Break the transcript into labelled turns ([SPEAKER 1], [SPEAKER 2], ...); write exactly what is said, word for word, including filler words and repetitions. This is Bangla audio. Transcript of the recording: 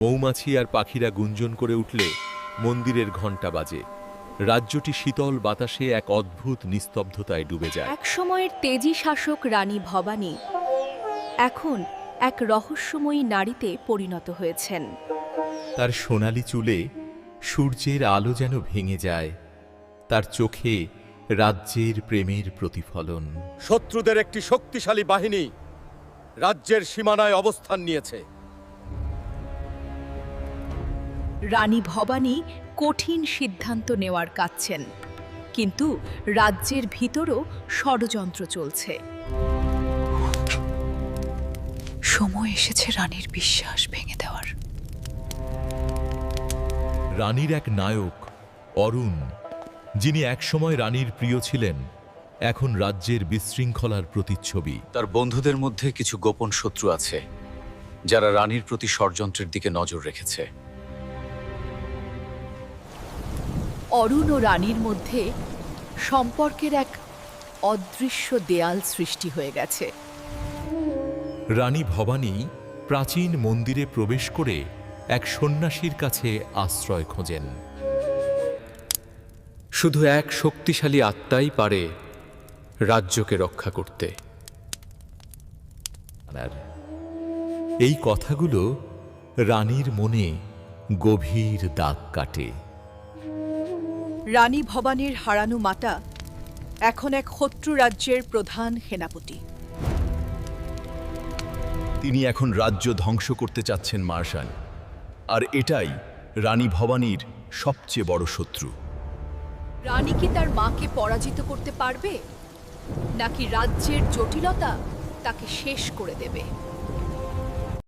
[SPEAKER 1] মৌমাছি আর পাখিরা গুঞ্জন করে উঠলে মন্দিরের ঘণ্টা বাজে। রাজ্যটি শীতল বাতাসে এক অদ্ভুত নিস্তব্ধতায় ডুবে যায়।
[SPEAKER 2] এক সময়ের তেজি শাসক রানী ভবানী এখন এক রহস্যময়ী নারীতে পরিণত হয়েছেন।
[SPEAKER 1] তার সোনালি চুলে সূর্যের আলো যেন ভেঙে যায়, তার চোখে রাজ্যের প্রেমের প্রতিফলন।
[SPEAKER 3] শত্রুদের একটি শক্তিশালী বাহিনী রাজ্যের সীমানায় অবস্থান নিয়েছে।
[SPEAKER 2] রানী ভবানী কঠিন সিদ্ধান্ত নেওয়ার কাচ্ছেন, কিন্তু রাজ্যের ভিতরও ষড়যন্ত্র চলছে। সময় এসেছে রানীর বিশ্বাস ভেঙে দেওয়ার।
[SPEAKER 1] রানীর এক নায়ক অরুণ, যিনি একসময় রানীর প্রিয় ছিলেন, এখন রাজ্যের বিশৃঙ্খলার প্রতিচ্ছবি।
[SPEAKER 4] তার বন্ধুদের মধ্যে কিছু গোপন শত্রু আছে যারা রানীর প্রতি ষড়যন্ত্রের দিকে নজর রেখেছে।
[SPEAKER 2] অরুণ ও রানীর মধ্যে সম্পর্কের এক অদৃশ্য দেয়াল সৃষ্টি হয়ে গেছে।
[SPEAKER 1] রানী ভবানী প্রাচীন মন্দিরে প্রবেশ করে এক সন্ন্যাসীর কাছে আশ্রয় খোঁজেন।
[SPEAKER 4] শুধু এক শক্তিশালী আত্মাই পারে রাজ্যকে রক্ষা করতে।
[SPEAKER 1] আর এই কথাগুলো রানীর মনে গভীর দাগ কাটে।
[SPEAKER 2] রানী ভবানীর হারানো মাতা এখন এক শত্রু রাজ্যের প্রধান সেনাপতি।
[SPEAKER 5] তিনি এখন রাজ্য ধ্বংস করতে চাচ্ছেন মার্শাল, আর এটাই রানী ভবানীর সবচেয়ে বড় শত্রু।
[SPEAKER 2] রানী কি তার মাকে পরাজিত করতে পারবে, নাকি রাজ্যের জটিলতা তাকে শেষ করে দেবে?